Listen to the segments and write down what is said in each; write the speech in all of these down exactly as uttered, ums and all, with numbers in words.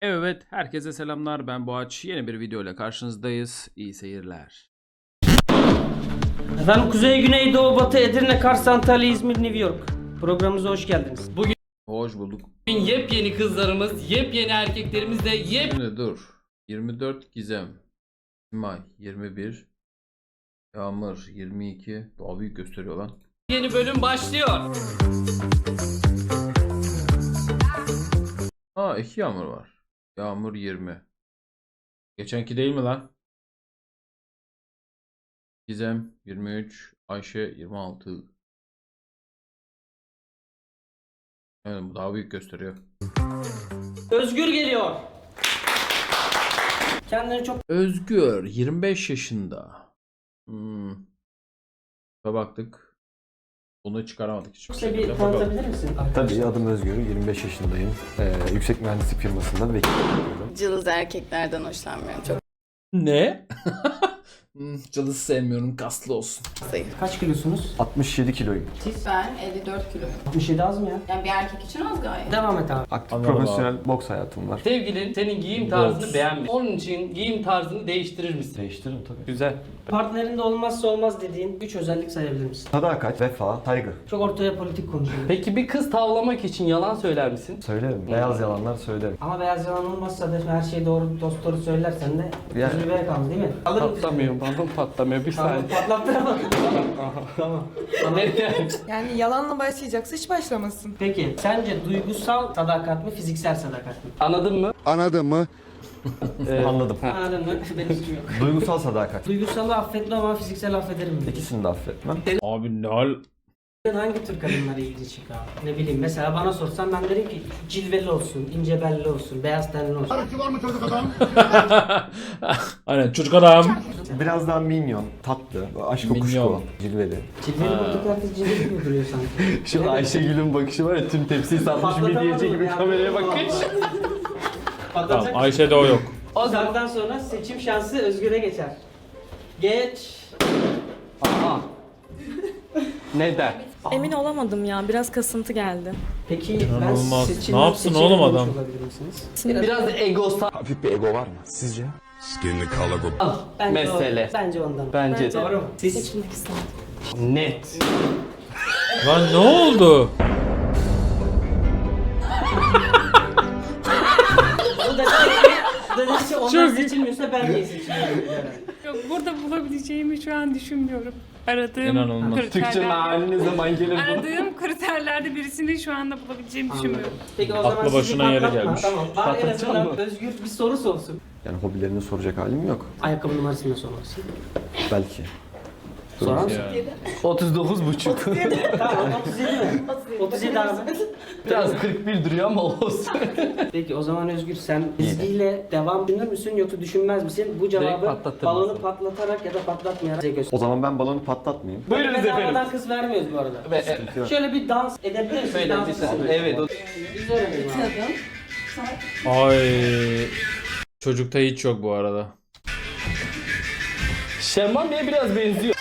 Evet, herkese selamlar. Ben Boğaç. Yeni bir video ile karşınızdayız. İyi seyirler. Efendim Kuzey, Güney, Doğu, Batı, Edirne, Kars, Antalya, İzmir, New York. Programımıza hoş geldiniz. Bugün Hoş bulduk. yepyeni kızlarımız, yepyeni erkeklerimiz de yepyeni Şimdi dur. yirmi dört Gizem. Simay yirmi bir. Yağmur yirmi iki. Daha büyük gösteriyor lan. bölüm başlıyor. Aa, iki Yağmur var. Yağmur yirmi. Geçenki değil mi lan? Gizem yirmi üç. Ayşe yirmi altı. Yani bu daha büyük gösteriyor. Özgür geliyor. Kendini çok Özgür yirmi beş yaşında. Hmm. Baktık. Bunu çıkaramadık hiç. kısa bir tanıtabilir misin? Tabii, adım Özgür, yirmi beş yaşındayım. Ee, yüksek mühendislik firmasında vekil yapıyorum. Cılız erkeklerden hoşlanmıyorum. Çok Ne? Hmm, Cılız sevmiyorum, kaslı olsun. zayıf. Kaç kilosunuz? altmış yedi kiloyum. Siz? Ben elli dört kiloyum. altmış yedi az mı ya? Yani bir erkek için az gayet. Devam et abi. Aktif Anladım profesyonel boks hayatım var. Sevgilin senin giyim tarzını Boks. beğenmiş. Onun için giyim tarzını değiştirir misin? Değiştiririm tabii. Güzel. Partnerinde olmazsa olmaz dediğin üç özellik sayabilir misin? Sadakat, vefa, saygı. Çok ortaya politik konuşuyor. Peki bir kız tavlamak için yalan söyler misin? Söylerim. Beyaz yalanlar söylerim. Ama beyaz yalan olmazsa da her şeyi doğru dost doğru söylersen de Yani- üzülmeye kaldı değil mi? Alır mısın? Patlamıyor, balon patlamıyor. Bir Tamam, saniye. patlattıramadım. Tamam. Tamam. Neden? Yani yalanla başlayacaksa hiç başlamasın. Peki sence duygusal sadakat mi, fiziksel sadakat mı? Anladın mı? Anladın mı? Ee, Anladım. Anladın mı? Benim suçum yok. Duygusal sadakat. Duygusalı affetmem ama fiziksel affederim mi? İkisini de affetmem. Abi ne hal? Hangi tür kadınlara ilgi çıkar? Ne bileyim, mesela bana sorsan ben derim ki cilveli olsun, ince belli olsun, beyaz tenli olsun. Aynen, çocuk adam. Biraz daha minyon, tatlı, aşk kokuşku, Minyon. cilveli. Cilveli bulduk herkes cilveli gibi duruyor sanki. Şu Ayşegül'ün bakışı var ya, tüm tepsiyi satmış midyeci gibi kameraya bakış. Tamam, Ayşe'de o yok. O zamandan sonra seçim şansı Özgür'e geçer. Geç. Aha. Neden? Emin olamadım ya. Biraz kasıntı geldi. Peki İnanılmaz. ben seçim Ne yapsın seçim oğlum yapmış adam? olabilir misiniz? Biraz egosal Hafif bir ego var mı sizce? Skin the color of Bence mesele. O, bence ondan. Bence de. Doğru mu? Siz Seçilmek istemedim. Net. Lan ne oldu? bu da dedi ki, bu da dedi ki onlar Çok- seçilmiyorsa ben niye seçiliyorum? Yok, burada bulabileceğimi şu an düşünmüyorum. Aradığım İnanılmaz. Türkçe kriterler. meali ne zaman gelir bu? Aradığım kriterlerde birisini şu anda bulabileceğimi düşünmüyorum. Peki o Aklı zaman sizi başına yere patlatma. gelmiş. Tamam. Var en Patlatacağım azından mı? Özgür bir soru sorsun. Yani hobilerini soracak halim yok. Ayakkabı numarasını da sormasın. Belki. Sorar mısın? Yani. otuz dokuz buçuk. Tamam, otuz yedi mi? otuz yedi abi. Biraz kırk bir duruyor ama olsun. Peki o zaman Özgür, sen çizgiyle devam düşünür müsün yoksa düşünmez misin? Bu cevabı patlatır balonu mısın? patlatarak ya da patlatmayarak bize göster. O zaman ben balonu patlatmayayım. Buyurunuz efendim. Bedavadan kız vermiyoruz bu arada. Ve, e, Şöyle bir dans edebilir misin? Şöyle Dans bir saniye. edelim. Evet. o- Biz öğrenelim abi. Ay. Çocukta hiç yok bu arada. Şemman Bey'e biraz benziyor.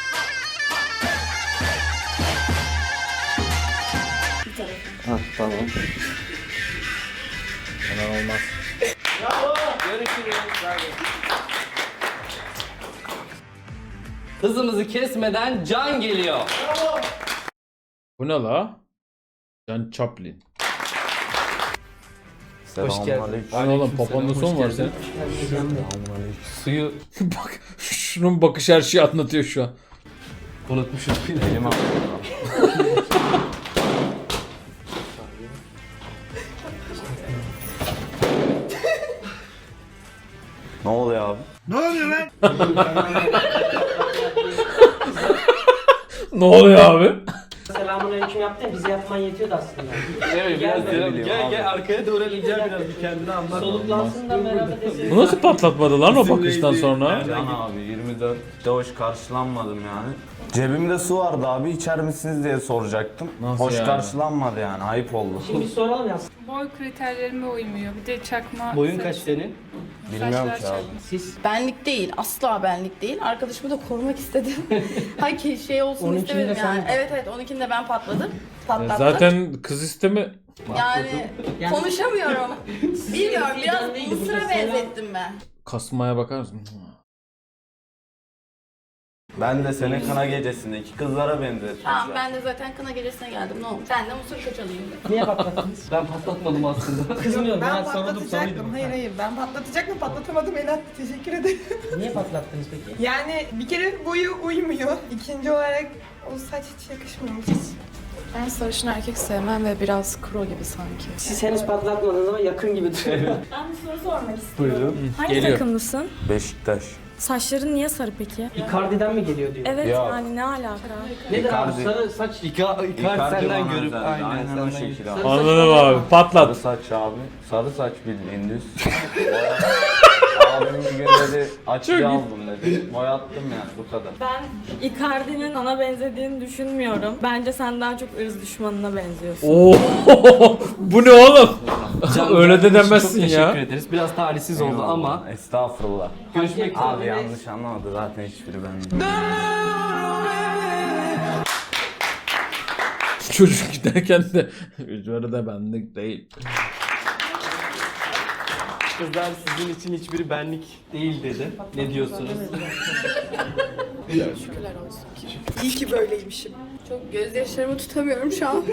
Ha, tamam. Hemen olmaz. Görüşürüz. Hızımızı kesmeden Can geliyor. Bu ne la? Can Chaplin. Hoş geldin. Bu ne oğlum, papanın son var senin. Suyu Bak, şunun bakış her şeyi anlatıyor şu an. unutmuşuz. Ne oluyor abi? Ne oluyor abi? Selamünaleyküm yaptın, bize yapman yetiyordu aslında. Evet Gel, biraz gel, gel, gel, gel arkaya doğru rica biraz bir kendini anlat. Soluklansın da beraber desin. Bu nasıl patlatmadı lan o bakıştan sonra? Can abi yirmi dörtte hoş karşılanmadım yani. Cebimde su vardı abi, içer misiniz diye soracaktım. Nasıl hoş yani? karşılanmadı yani, ayıp oldu. Şimdi bir soralım ya. Boy kriterlerime uymuyor. Bir de çakma. Boyun saç- kaç senin? Bilmiyorum saçlar ki abi. çakma. Siz Benlik değil, asla benlik değil. Arkadaşımı da korumak istedim. Hayır ki şey olsun onunkini de istemedim sen yani. mi? Evet evet, onunkini de ben patladım. Patlattın. Zaten kız isteme Yani Yani- konuşamıyorum. Bilmiyorum biraz neydi? Mısır'a Burada selam- benzettim ben. kasmaya bakar mısın? Ben de senin kına gecesindeki kızlara benzettim. Tamam ben de zaten kına gecesine geldim ne olmuş? Ben de Mısır kaçalıyım. Niye patlattınız? Ben patlatmadım aslında. Kızmıyorum Ben ben sordum patlatacaktım. soruyordum. Hayır hayır ben patlatacaktım patlatamadım Elat. Teşekkür ederim. Niye patlattınız peki? Yani bir kere boyu uymuyor. İkinci olarak o saç hiç yakışmıyormuş. Ben sarışın erkek sevmem ve biraz kro gibi sanki. Siz henüz patlatmadınız ama yakın gibi duruyor. Ben bir soru sormak istiyorum. Buyurun. Hangi Geliyor. takımlısın? Beşiktaş. Saçların niye sarı peki? Icardi'den mi geliyor diyor. Evet Ya. yani ne alaka? Nedir abi Icardi. sarı saç? İka, Icardi senden bana görüp özeldi. aynen, Aynen senden o şekilde. Sarı abi. saç Anladım olan- abi. Sarı Patlat. saç abi. Sarı saç bildiğin düz. Abim bir gün dedi açıya aldım dedi. Boyattım yani bu kadar. Ben Icardi'nin sana benzediğini düşünmüyorum. Bence sen daha çok ırz düşmanına benziyorsun. Oo, bu ne oğlum? Öyle de demezsin Çok ya. teşekkür ederiz. Biraz talihsiz oldu Eyvallah. ama Estağfurullah. görüşmek üzere. Abi yanlış anlamadı zaten hiçbiri ben. Çocuk giderken de üzeri de benlik değil. Kızlar sizin için hiçbiri benlik değil dedi. Ne diyorsunuz? Şükürler olsun. İyi ki böyleymişim. Çok gözyaşlarımı tutamıyorum şu an.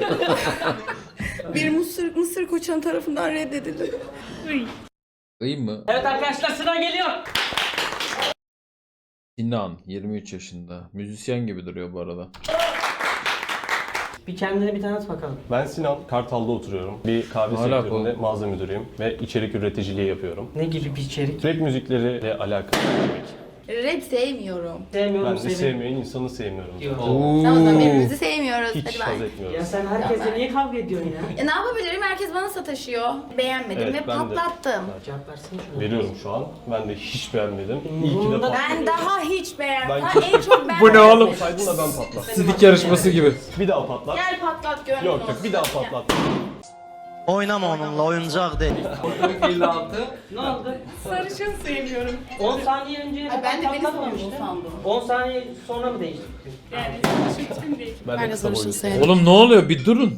Bir Mısır, Mısır koçan tarafından reddedildim. İyi mi? Evet arkadaşlar sıra geliyor. Sinan yirmi üç yaşında. Müzisyen gibi duruyor bu arada. Bir kendine bir tanıt bakalım. Ben Sinan, Kartal'da oturuyorum. Bir kahve Hala sektöründe mağaza müdürüyüm ve içerik üreticiliği yapıyorum. Ne gibi bir içerik? Rap müzikleriyle alakalı demek. Rap sevmiyorum. Sevmiyorum Ben de seni. sevmeyen insanı sevmiyorum. Diyor. Tamam o zaman birbirimizi sevmiyoruz. Hiç Hadi haz ben. etmiyorum. Ya sen herkesle niye kavga ediyorsun ya? E, ne yapabilirim? Herkes bana sataşıyor. Beğenmedim Evet, ve ben de. patlattım. Cevap versene şuna. Veriyorum şu an. Ben de hiç beğenmedim. İyi ki de Umurumda patlattım. Ben daha hiç beğenmedim. Ben- Ha, en çok ben Bu ne oğlum? Olsaydın da ben patlattım. Sidik yarışması gibi. Bir daha patlat. Gel patlat gönlüm Yok olsun. yok bir daha patlat. Oynama onunla oyuncak değil. elli altı. Ne oldu? Sarışın sevmiyorum. on saniye önce Ay, ben de beni patlatmamıştın. sormuş sandım. on saniye sonra mı değiştirdin? Yani sarışın için değil. Ben, Ben de de kısa sarışın boylu. sevmem. Oğlum ne oluyor? Bir durun.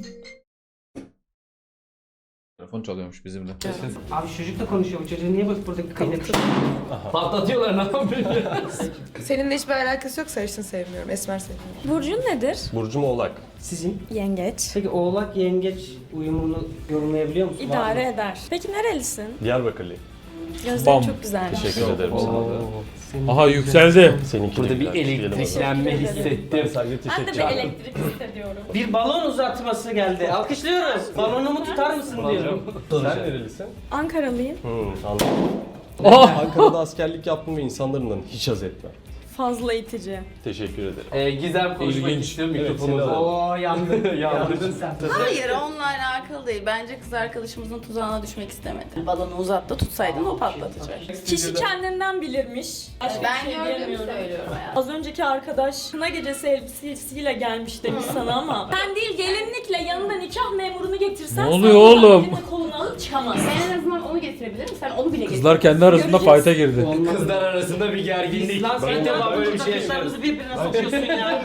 Telefon çalıyormuş bizimle. Abi çocuk da konuşuyor. Bu çocuğu niye bak buradaki kaydet? Patlatıyorlar ne yapıyor? Seninle hiçbir alakası yok. Sarışın sevmiyorum. Esmer sevmiyorum. Burcun nedir? Burcum Oğlak. Sizin? Yengeç. Peki oğlak yengeç uyumunu yorumlayabiliyor musun? Var İdare mı? eder. Peki nerelisin? Diyarbakırlıyım. Gözlerin Bam. çok güzelmiş. Teşekkür ederim sana da. Senin Aha yükseldi. Seninki Burada de bir güzel. Diyelim o zaman. elektriklenme Ben hissettim. sadece Ben de teşekkür bir ederim. elektrik hissediyorum. Bir balon uzatması geldi. Alkışlıyoruz. Balonumu tutar mısın diyorum. Sen nerelisin? Ankaralıyım. Hmm, anladım. Oh! Ankara'da askerlik yaptım ve insanlarından hiç haz etmem. Fazla itici. Teşekkür ederim. Ee, Gizem konuşmak İlginç. istiyor Evet, mikrofonunuzu. seni alalım. Oo yandın. yandın sen. Hayır onunla alakalı değil. Bence kız arkadaşımızın tuzağına düşmek istemedi. Balonu uzat da tutsaydın o patlatacak. Kişi kendinden bilirmiş. Başka bir Ben şey gördüğümü diyemiyorum. söylüyorum hayatım. Az önceki arkadaş kına gecesi elbisesiyle gelmiş demiş sana ama sen değil gelinlikle yanında nikah memurunu getirsen Ne oluyor sen oradan oğlum? elini kolunu alıp çıkamazsın. Ben en azından onu getirebilir misin? Sen onu bile getir. Kızlar kendi arasında Göreceğiz. fight'a girdi. Kızlar arasında bir gerginlik. Lan sen İlk de defa böyle bir şey yaşıyorum. Kızlarımızı birbirine sokuyorsun ya.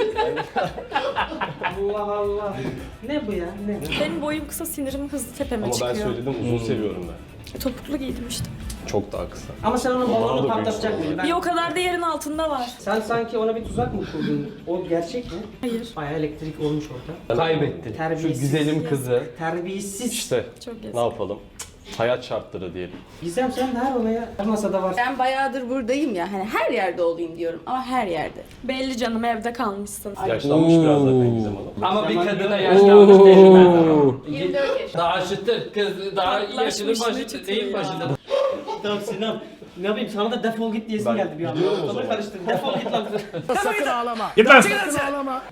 Allah Allah. Ne bu ya? Ne? Benim boyum kısa sinirim hızlı tepeme Ama ben çıkıyor. söyledim uzun seviyorum ben. Topuklu giydim işte. Çok daha kısa. Ama sen onun Bana da balonu büyük patlatacak sorun mıydın? Bir Ben... o kadar da yerin altında var. Sen sanki ona bir tuzak mı kurdun? O gerçek mi? Hayır. Bayağı elektrik olmuş orada. Kaybettin. Şu Terbiyesiz. güzelim kızı. Terbiyesiz. İşte Çok ne yazık. yapalım? Hayat şartları diyelim. Gizem sen de her olaya her masada var. Ben bayağıdır buradayım ya. Hani her yerde olayım diyorum ama her yerde. Belli canım evde kalmışsın. Yaşlanmış biraz zaten Gizem Hanım. Ama bir kadına Oo. yaşlanmış tecrüben. Oo. yirmi dört yaşında. Daha şıttır kız, daha yaşının Yaklaşmış, başı ne değil çıtır ya. başında. Tamam Sinan. Ne yapayım sana da defol git diyesim Ben geldi bir anda. gidiyorum o Ortalığı zaman. karıştırdın. Defol git lan. Sakın ağlama. Git lan. Sakın ağlama.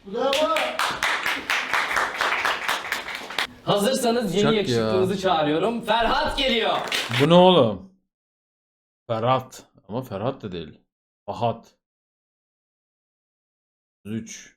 Hazırsanız yeni Çak yakışıklınızı çağırıyorum. Ferhat geliyor. Bu ne oğlum? Ferhat. Ama Ferhat da değil. Fahat. üç.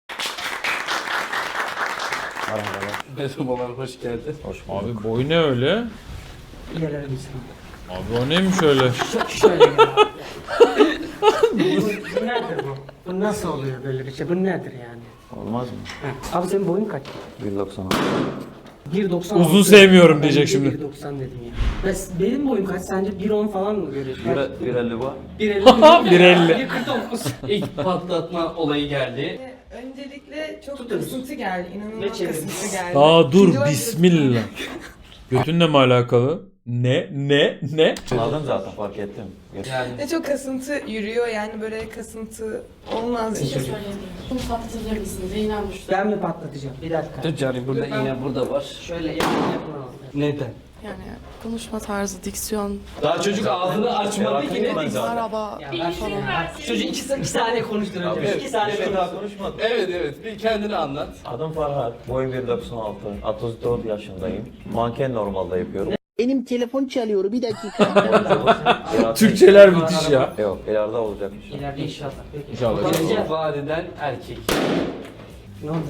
Merhabalar, hoş geldin. Abi boy ne öyle? Yerlere gitsin. Abi o neymiş öyle? Şöyle ya. bu, bu nedir bu? Bu nasıl oluyor böyle bir şey? Bu nedir yani? Olmaz mı? He. Abi senin boyun kaç? bir doksan. bir doksan. Uzun sevmiyorum Ben diyecek de şimdi. bir doksan dedim ya. Ben- Benim boyum kaç? Sence bir on falan mı görüyorsun? bir elli var. bir elli. bir elli. bir kırk dokuz. İlk patlatma olayı geldi. Öncelikle çok Tutunuz. kasıntı geldi. Ne İnanılmaz çevirdin? kasıntı geldi. Daha dur İkinci olarak- bismillah. Götünle mi alakalı? Ne? Ne? Ne? Anladım zaten fark ettim. Yani Ve çok kasıntı yürüyor yani böyle kasıntı olmaz. Bir şey söyleyeyim. Bunu patlatabilir misiniz? İnanmış. Ben mi patlatacağım? Bir dakika. dur canım burada iğne burada var. Şöyle yakın yakın alalım. Neden? Yani konuşma tarzı, diksiyon. Daha çocuk ağzını açmadı ki ne diyeyim. Araba. Ya ben falan. Çocuk iki, iki saniye konuştur önce. iki saniye şey daha konuştur. konuşmadım. Evet evet bir kendini anlat. Adım Farhat. Boyum bir doksan altı. otuz dört yaşındayım. Manken normalde yapıyorum. Benim telefon çalıyor bir dakika. Türkçeler müthiş ya. Yok ileride olacakmış. İleride inşallah. Peki. İnşallah. Bakacağız. Vadeden erkek. Ne oldu?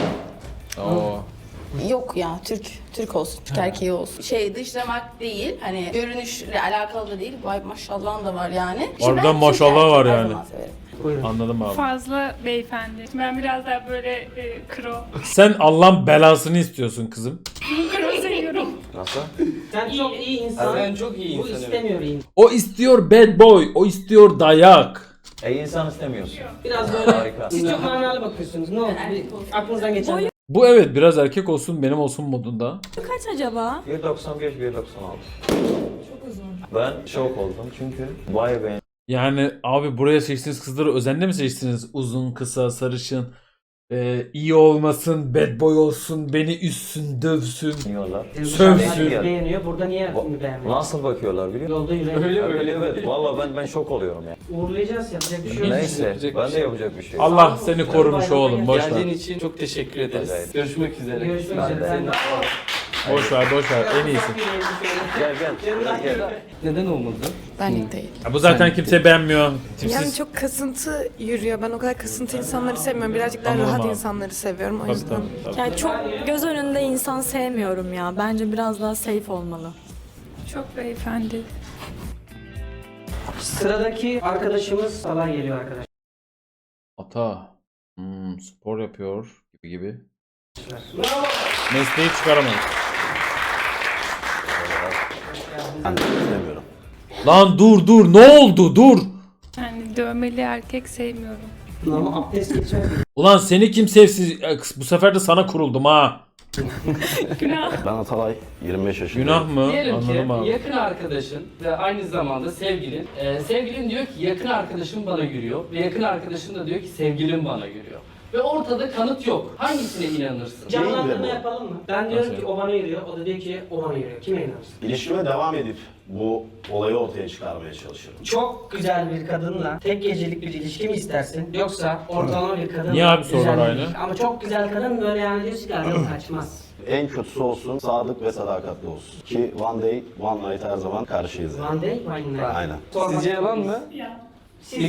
Oo. Yok ya Türk Türk olsun, Türk erkeği olsun. Şey dışlamak değil, hani görünüşle alakalı da değil. Vay maşallah da var yani. İşte Harbiden ben Türk maşallah erkeği var her yani. zaman severim. Buyurun. Anladım abi. Fazla beyefendi. Ben biraz daha böyle e, kro. Sen Allah'ın belasını istiyorsun kızım. Kro seviyorum. Nasıl? Sen çok iyi insan. Sen çok iyi Bu insan. istemiyor iyi. O istiyor bad boy. O istiyor dayak. E insan istemiyorsun. Biraz böyle Harika. siz çok manalı bakıyorsunuz. Ne oldu? Bir aklınızdan geçen. Bu evet biraz erkek olsun benim olsun modunda. Kaç acaba? bir doksan beş bir doksan altı. Çok uzun. Ben şok oldum çünkü vay be. Yani abi buraya seçtiğiniz kızları özenle mi seçtiniz? Uzun, kısa, sarışın, e, iyi olmasın, bad boy olsun, beni üssün, dövsün. Diyorlar. Sövsün. Beğeniyor. Burada niye Va- beğenmiyor? Nasıl bakıyorlar biliyor musun? Yolda yürüyen. Öyle Öyle öyle. evet. Valla ben ben şok oluyorum ya. Uğurlayacağız yapacak bir şey yok. Neyse yapacak bir ben de şey yok. yapacak bir şey. yok. Allah seni korumuş oğlum. Boş Geldiğin ver. için çok teşekkür ederiz. Evet. Görüşmek üzere. Görüşmek Ben üzere. seninle- Boş ver, boş ver. En iyisi. Gel gel. gel, gel. Neden olmadı? Benlik değil. Ya bu zaten kimse beğenmiyor. Yani Tipsiz. çok kasıntı yürüyor. Ben o kadar kasıntı insanları sevmiyorum. Birazcık daha Anladım rahat abi. insanları seviyorum. O Tabii, yüzden. tabii, tabii. Yani çok göz önünde insan sevmiyorum ya. Bence biraz daha safe olmalı. Çok beyefendi. Sıradaki arkadaşımız Salah geliyor arkadaşlar. Ata. Hmm, spor yapıyor gibi gibi. Mesleği çıkaramayız. Lan dur dur ne oldu dur. Yani dövmeli erkek sevmiyorum. Ama abdest geçer. Ulan seni kim sevsin? E, Bu sefer de sana kuruldum ha. Günah. Ben Atalay, yirmi beş yaşındayım. Günah mı? Diyelim Anladım ki abi. yakın arkadaşın ve aynı zamanda sevgilin. Ee, sevgilin diyor ki yakın arkadaşım bana yürüyor ve yakın arkadaşın da diyor ki sevgilim bana yürüyor. Ve ortada kanıt yok. Hangisine inanırsın? Canlandırma yapalım mı? Ben diyorum Nasıl? ki o bana yürüyor. O da diyor ki o bana yürüyor. Kime inanırsın? İlişkime devam edip bu olayı ortaya çıkarmaya çalışıyorum. Çok güzel bir kadınla tek gecelik bir ilişki mi istersin? Yoksa ortalama bir kadınla Niye abi sorular güzel bir aynı? ilişki? Ama çok güzel kadın böyle yani diyorsun ki yok kaçmaz. En kötüsü olsun, sadık ve sadakatli olsun. Ki one day, one night her zaman karşıyız. yani. One day, one night. Aynen. Sizce yalan mı? Ya. Siz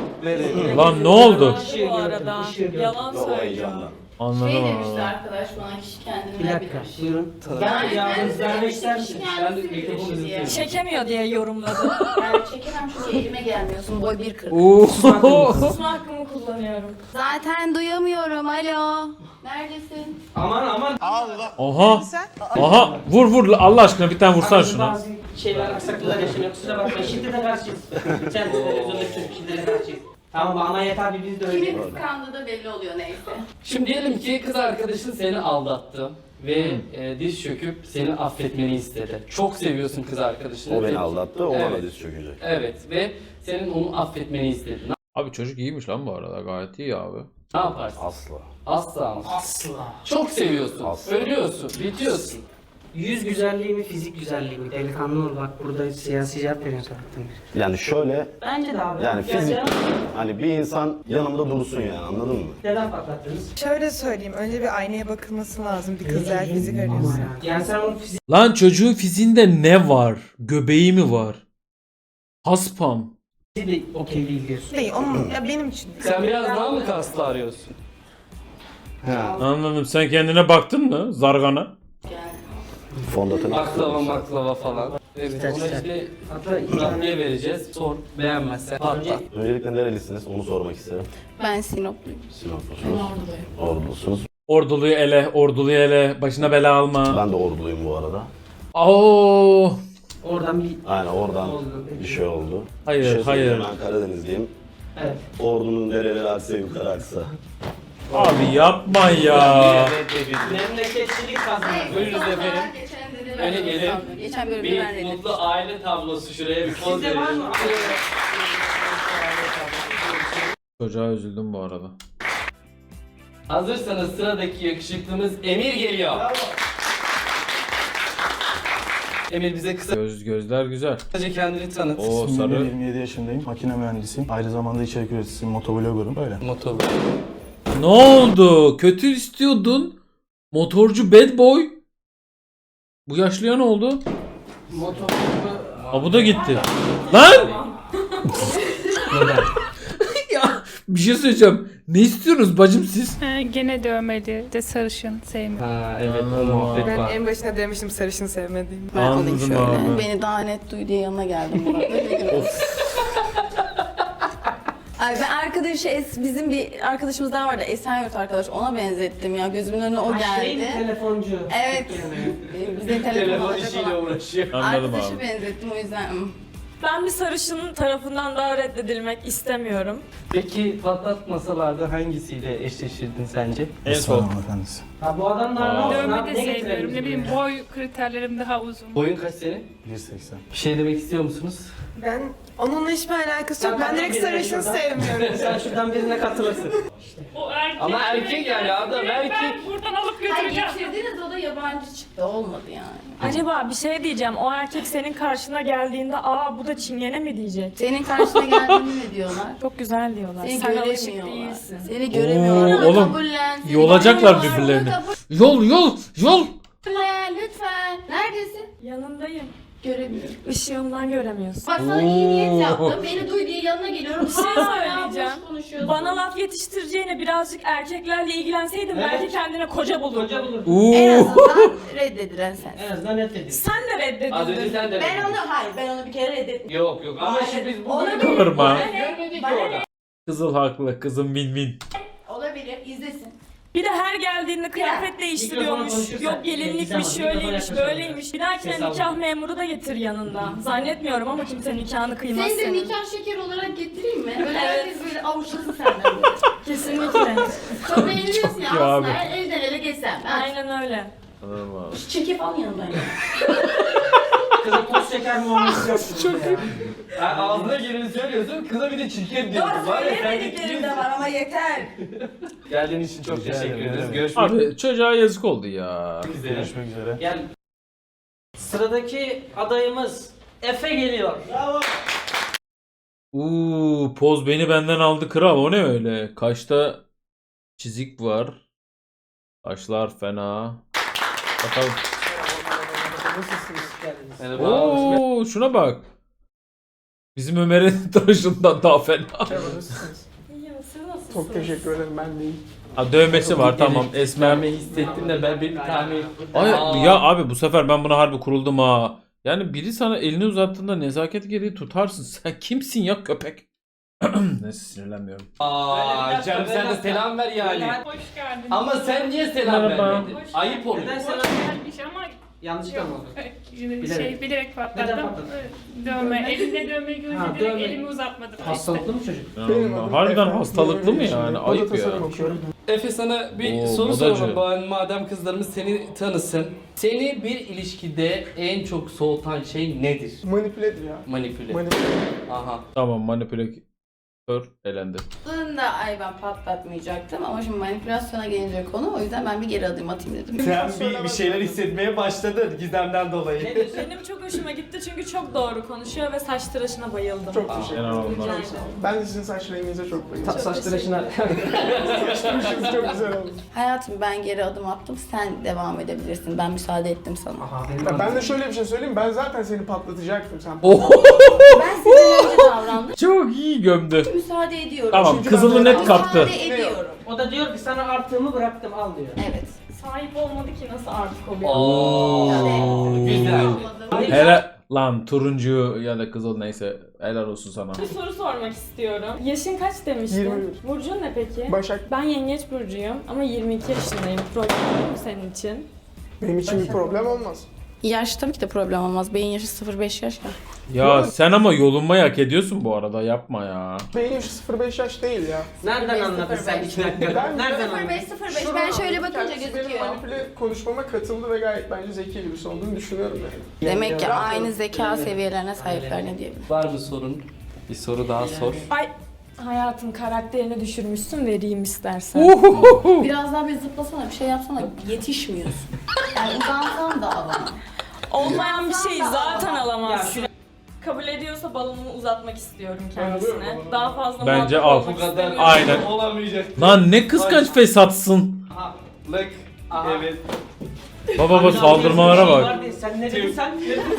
Lan ne oldu? Işığı Bu gördüm, arada. ışığı gördüm. Yalan Ve o söylüyor. heyecandan. Anladım Şey abi. demişti arkadaş bana kişi kendini Bir ne dakika, bilir. buyurun. Yani Yalnız kendisi vermek demişti, ister kişi misin? Ben de kendisi bilir mikrofonu diye. uzatıyorum. Çekemiyor diye yorumladı. Yani çekemem çünkü elime gelmiyorsun. Boy bir kırk. Oo. Susma hakkımı kullanıyorum. Zaten duyamıyorum. Alo. Neredesin? Aman aman. Aha. Aha. Vur vur Allah aşkına bir tane vursan şuna. Bazı şeyler aksaklıklar yaşanıyor. Kusura bakmayın. Şiddete karşıyız. Sen televizyonda şiddete karşıyız. Tamam ama yeter bir biz de öyle. Kimin kıskandığı da belli oluyor neyse. Şimdi diyelim ki kız arkadaşın seni aldattı ve e, diz çöküp seni affetmeni istedi. Çok seviyorsun kız arkadaşını. O beni Ve- aldattı, o bana Evet. diz çökecek. Evet ve senin onu affetmeni istedi. Ne, Abi çocuk iyiymiş lan bu arada gayet iyi abi. ne yaparsın? Asla. Asla ama. Asla. Çok seviyorsun. Asla. Ölüyorsun, bitiyorsun. Yüz güzelliği mi, fizik güzelliği mi? Delikanlı ol bak burada siyasi cevap veriyorsun zaten. Yani şöyle, Bence de abi. yani Ya fizik, canım, hani bir insan yanımda dursun yani anladın mı? Neden patlattınız? Şöyle söyleyeyim. Önce bir aynaya bakılması lazım. Bir kızlar fizik arıyorsa. Yani sen onun fizik Lan çocuğun fiziğinde ne var? Göbeği mi var? Haspam. de okey değil diyorsun. Değil. Onun, ya benim için. Sen biraz daha mı kaslı arıyorsun? Anladım. Sen kendine baktın mı? Zargana. Fondöten. Baklava maklava falan. Evet, İster, ona ister. işte Hatta iki tane Rabbiye vereceğiz. Sor, beğenmezsen patlat. Öncelikle nerelisiniz onu sormak isterim. Ben Sinopluyum. Sinoplusunuz. Ordulusunuz. Orduluyu ele, orduluyu ele, başına bela alma. Ben de orduluyum bu arada. Oo. oradan bir Aynen oradan Oldu. bir şey oldu. Hayır, Bir şey söyleyeyim, hayır. Ben Karadenizliyim. evet. Ordunun nereleri aksa yukarı aksa. Abi yapma ya. Memleketçilik kazanır. Buyurun efendim. Geçen de Öyle gelin. Geçen bölümde ben Bir reddettim. mutlu aile tablosu şuraya bir poz Sizde var verelim. mı? Çocuğa üzüldüm bu arada. Hazırsanız sıradaki yakışıklımız Emir geliyor. Emir bize Göz gözler güzel. kısaca kendini tanıt. O sarı. yirmi yedi yaşındayım. Makine mühendisiyim. Aynı zamanda içerik üreticisiyim. Motovlogger'ım. Öyle. Motor. Ne oldu? Kötü istiyordun. Motorcu bad boy. Bu yaşlıya ne oldu? Motor. Ha bu da gitti. Lan! Ya bir şey söyleyeceğim. Ne istiyorsunuz bacım siz? Ee, gene dövmeli de sarışın sevmiyorum. Ha evet o Anladım muhabbet Ben var. en başına demiştim sarışın sevmediğimi. Ben alayım Anladım şöyle. abi. Beni daha net duy diye yanına geldim. Murat. Öyle gibi. Ay ben arkadaşı es, bizim bir arkadaşımız daha vardı. Esenyurt arkadaş. Ona benzettim ya. Gözümün önüne o Şey mi, geldi. telefoncu? Evet. Ee, Bize telefon Telefon alacak işiyle olan. uğraşıyor. Anladım Arkadaşı abi. benzettim o yüzden. hmm. Ben bir sarışının tarafından daha reddedilmek istemiyorum. Peki patlatmasalarda hangisiyle eşleşirdin sence? En son. Efendisi. Ha bu adamlar ne Aa. olsun? Dövme abi, de ne sevmiyorum. getirelim Ne bileyim buraya? boy kriterlerim daha uzun. Boyun kaç senin? bir seksen. Bir şey demek istiyor musunuz? Ben onunla hiçbir alakası Sen yok. Ben direkt birine sarışın şuradan- sevmiyorum. Sen şuradan birine katılırsın. O erkek. Ama erkek yani adam erkek. Ben buradan alıp Ay götüreceğim. getirdiniz o da yabancı çıktı. Olmadı yani. Acaba bir şey diyeceğim. O erkek senin karşına geldiğinde aa bu da çingene mi diyecek? Senin karşına geldiğini ne diyorlar? Çok güzel diyorlar. Seni Sen alışık göremiyorlar. değilsin. Seni göremiyorlar. Oo, oğlum, Kabullen, seni yolacaklar göremiyorlar. birbirlerini. Kabullen, Yol yol yol. lütfen. Neredesin? Yanındayım. Göremiyorum. Işığımdan göremiyorsun. Bak sana iyi niyet Oo. yaptım. Beni duy diye yanına geliyorum. Bir şey Hala söyleyeceğim. boş konuşuyorsun. Bana laf yetiştireceğine birazcık erkeklerle ilgilenseydin Evet. belki kendine koca bulurdun. Koca bulur. En Oo. azından reddedilen sensin. En azından reddedin. Sen de Az önce reddedildin. sen de Ben dedin. onu hayır ben onu bir kere reddettim. Yok yok ama Hayır, şimdi biz bu olabilir. bölümü Kıvırma. görmedik ki Bana orada. Kızıl haklı. Kızım win win. Olabilir izlesin. Bir de her geldiğinde kıyafet Mikrofona değiştiriyormuş. konuşursan, Yok Gizem gelinlikmiş, Hanım, şöyleymiş, mikrofona böyleymiş. Bir dahakine Ses nikah alın. memuru da getir yanında. Zannetmiyorum ama kimse nikahını kıymaz Seni de senin. nikah şeker olarak getireyim mi? Böyle Evet. herkes böyle avuçlasın senden böyle. Kesinlikle. Çok beğeniyorsun ya Çok iyi abi. aslında elden ele geçsem. Ben Aynen öyle. Anladım abi. çekip al yanındayım. Kıza toz şeker muamelesi yaptın. Çok iyi. Ha, ağzına geleni söylüyorsun, kıza bir de çirkin diyorsun. Var ya sen de Söylemediklerim de var ama yeter. Geldiğin için çok Rica teşekkür ederim. ederiz. Görüşmek Abi çocuğa yazık oldu ya. üzere. Görüşmek üzere. Gel. Sıradaki adayımız Efe geliyor. Bravo. Uuu poz beni benden aldı kral. O ne öyle? Kaşta çizik var. Kaşlar fena. Bakalım. Nasılsınız? Geldiniz. Merhaba. Oo şuna bak. Bizim Ömer'in tıraşından daha fena. İyi siz nasılsınız? Çok teşekkür ederim ben deyim. Ha, dövmesi var tamam. Esmer. Esmermeyi hissettim de ben bir tane... Ay, Aa. ya abi bu sefer ben buna harbi kuruldum ha. Yani biri sana elini uzattığında nezaket gereği tutarsın. Sen kimsin ya köpek? Neyse sinirlenmiyorum. Aa canım sen de selam ver yani. Hoş geldin. Ama sen niye selam Merhaba. vermedin? Ayıp oluyor. Neden selam Gelmiş ama Yanlışlıkla mı oldu? şey Bilerek. bilerek patladı. Neden patladı? Dövme. Elinde dövme görünce Ha, direkt dövme. elimi uzatmadım. Hastalıklı mı çocuk? Ya, harbiden hastalıklı mı yani? Ayıp ya. Efe sana bir Oo, soru modacı. soralım bari madem kızlarımız seni tanısın. Seni bir ilişkide en çok soğutan şey nedir? Manipüledir ya. Manipüle. Manipüle. Aha. Tamam manipülatör elendi. Aslında ay ben patlatmayacaktım ama şimdi manipülasyona gelince konu o yüzden ben bir geri adım atayım dedim. Sen bir, bir şeyler hissetmeye başladın Gizem'den dolayı. Ne diyorsun? Benim çok hoşuma gitti çünkü çok doğru konuşuyor ve saç tıraşına bayıldım. Çok Aa, teşekkür genel ederim. olarak. Rica ederim. Ben de sizin saç renginize çok bayıldım. Ta- saç tıraşına. Saçlarınız çok güzel oldu. Hayatım ben geri adım attım sen devam edebilirsin ben müsaade ettim sana. Aha, benim Ya ben de şöyle bir şey söyleyeyim. Ben zaten seni patlatacaktım. Sen Oh, Ben sizden önce davrandım. çok iyi gömdü. Müsaade ediyorum. Tamam Çünkü kızılı ben net böyle- kaptı. Müsaade ediyorum. O da diyor ki sana artığımı bıraktım al diyor. Evet. Sahip olmadı ki nasıl artık oluyor? Oo, güzel. Olmadı. Helal, Lan turuncu ya da kızıl neyse helal olsun sana. Bir soru sormak istiyorum. Yaşın kaç demiştin? yirmi bir. Burcun ne peki? Başak. Ben yengeç burcuyum ama yirmi iki yaşındayım. Problem yok mu senin için? Benim için bir problem olmaz. Yaş tabii ki de problem olmaz. Beyin yaşı sıfır beş yaş ya. Ya sen ama yolunmayı hak ediyorsun bu arada, yapma ya. Benim yaşı sıfır beş yaş değil ya. Nereden anladın sen hiç dakika? Ben- Nereden sıfır beş anladın? sıfır beş. Şuradan Ben şöyle anladım. bakınca Kendisi gözüküyor. Benim manipüle konuşmama katıldı ve gayet bence zeki birisi olduğunu düşünüyorum yani. Demek ki aynı zeka seviyelerine sahipler ne diyebilirim. Var mı sorun? Bir soru daha sor. Ay hayatın karakterini düşürmüşsün, vereyim istersen. Biraz daha bir zıplasana, bir şey yapsana. Yetişmiyorsun. Yani uzansan da alamam. Olmayan bir şeyi zaten Ya alamazsın. şu Kabul ediyorsa balonumu uzatmak istiyorum kendisine. Daha fazla Bence muhatap al. olmak istemiyorum. Aynen. Olamayacak. Lan ne kıskanç fesatsın. Lık. Aha. Evet. Baba baba saldırmalara bak. Sen ne dedin sen?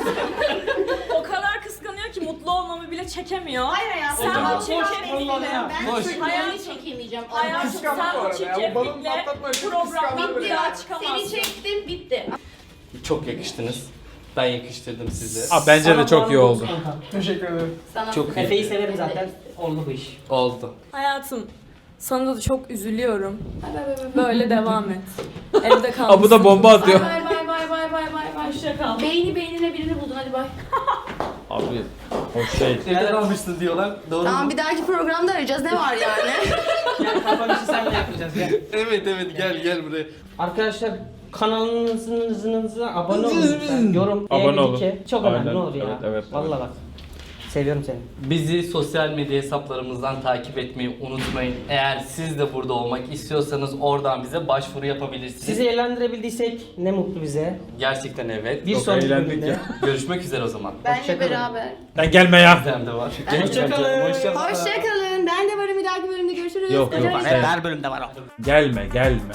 O kadar kıskanıyor ki mutlu olmamı bile çekemiyor. Hayır hayatım. Sen ben bu çirkeflikle, Ben Boş. seni Hayatım. çekemeyeceğim. hayatım Kıskanma sen bu bu arada ya. O balonu çirkeflikle patlatma için programdan kıskanma bir böyle. daha Seni çıkamazsın. çektim, bitti. Çok yakıştınız. Ben yakıştırdım sizi. Aa, bence de çok iyi oldu. Teşekkür ederim. Sana Çok Efe'yi severim zaten. Oldu bu iş. Oldu. Hayatım sana da çok üzülüyorum. Bay bay bay bay. Böyle devam et. Evde kalmışsın. Aa, bu da bomba atıyor. Bay bay bay bay bay bay bay. Hoşça kal. Beyni beynine birini buldun hadi bay. Abi hoş şey. Evde kalmıştın diyorlar. Doğru Tamam mu? bir dahaki programda arayacağız. Ne var yani? Gel kapanışı senle yapacağız gel. Evet evet gel gel buraya. Arkadaşlar kanalınıza abone olun lütfen. Yorum, Abone beğeni, olun. like. Çok Aynen. önemli ne olur ya. Evet, evet, Vallahi bak. Seviyorum seni. Bizi sosyal medya hesaplarımızdan takip etmeyi unutmayın. Eğer siz de burada olmak istiyorsanız oradan bize başvuru yapabilirsiniz. Sizi eğlendirebildiysek ne mutlu bize. Gerçekten evet. Bir Çok sonraki eğlendik bölümde. ya. Görüşmek üzere o zaman. Benle Hoşçakalın. beraber. Sen gelme ya. Bizden de var. Hoşçakalın. Hoşçakalın. Ben de varım bir dahaki bölümde görüşürüz. Yok, yok. Hoşça kalın. Sen- Her bölümde var o. Gelme gelme.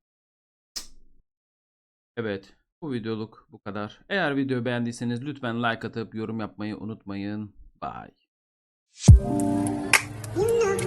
Evet, bu videoluk bu kadar. Eğer videoyu beğendiyseniz lütfen like atıp yorum yapmayı unutmayın. Bye.